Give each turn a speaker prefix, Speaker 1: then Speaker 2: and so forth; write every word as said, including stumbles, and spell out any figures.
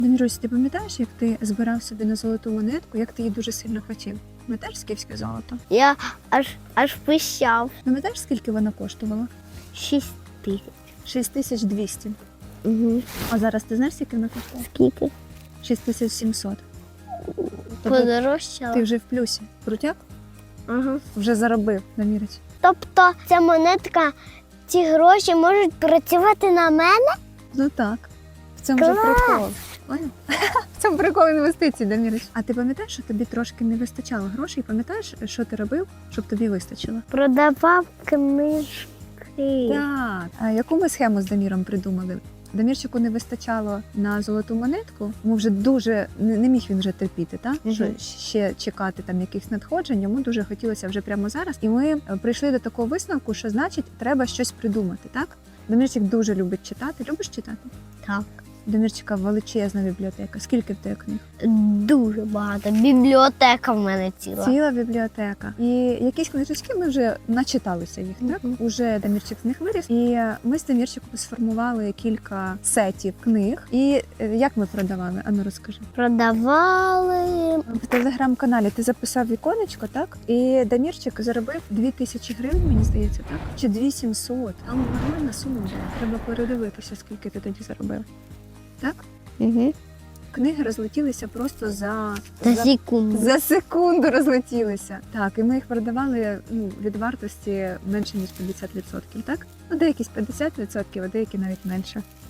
Speaker 1: Демірусь, ти пам'ятаєш, як ти збирав собі на золоту монетку, як ти її дуже сильно хотів? Пам'ятаєш скіфське золото?
Speaker 2: Я аж аж пищав.
Speaker 1: Пам'ятаєш, скільки вона коштувала?
Speaker 2: Шість тисяч.
Speaker 1: шість тисяч двісті.
Speaker 2: Угу.
Speaker 1: А зараз ти знаєш, скільки вона коштує?
Speaker 2: Скільки?
Speaker 1: шість тисяч сімсот. Тобто
Speaker 2: Подорожчало.
Speaker 1: ти вже в плюсі. Крутяк?
Speaker 2: Ага.
Speaker 1: Вже заробив, Дамірець.
Speaker 2: Тобто ця монетка, ці гроші можуть працювати на мене?
Speaker 1: Ну так. В цьому же
Speaker 2: Клас!
Speaker 1: прикол. Поняв? В цьому прикол інвестицій, Дамірець. А ти пам'ятаєш, що тобі трошки не вистачало грошей? Пам'ятаєш, що ти робив, щоб тобі вистачило?
Speaker 2: Продавав книжки.
Speaker 1: Так. А яку ми схему з Даміром придумали? Дамірчику не вистачало на золоту монетку, йому вже дуже не не міг він вже терпіти, та
Speaker 2: Мгм.
Speaker 1: що ще чекати там якихось надходжень. Йому дуже хотілося вже прямо зараз. І ми е, прийшли до такого висновку, що значить треба щось придумати. Так, Дамірчик дуже любить читати. Любиш читати?
Speaker 2: Так.
Speaker 1: Дамірчика величезна бібліотека. Скільки в тебе книг?
Speaker 2: Дуже багато. Бібліотека в мене ціла.
Speaker 1: Ціла бібліотека. І якісь книжечки ми вже начиталися їх, так?
Speaker 2: Мгм.
Speaker 1: Уже Дамірчик з них виріс. І ми з Дамірчиком сформували кілька сетів книг. І е, як ми продавали? Ану, розкажи.
Speaker 2: Продавали.
Speaker 1: В телеграм-каналі ти записав віконечко, так? І Дамірчик заробив дві тисячі гривень, мені здається, так? Чи дві тисячі сімсот. Там нормальна сума була. Треба передивитися, скільки ти тоді заробив. Так?
Speaker 2: Угу.
Speaker 1: Книги розлетілися просто за,
Speaker 2: За секунду.
Speaker 1: За секунду розлетілися. Так, і ми їх продавали ну, від вартості менше, ніж п'ятдесят відсотків, так? Ну, деякі з п'ятдесят відсотків, а деякі навіть менше.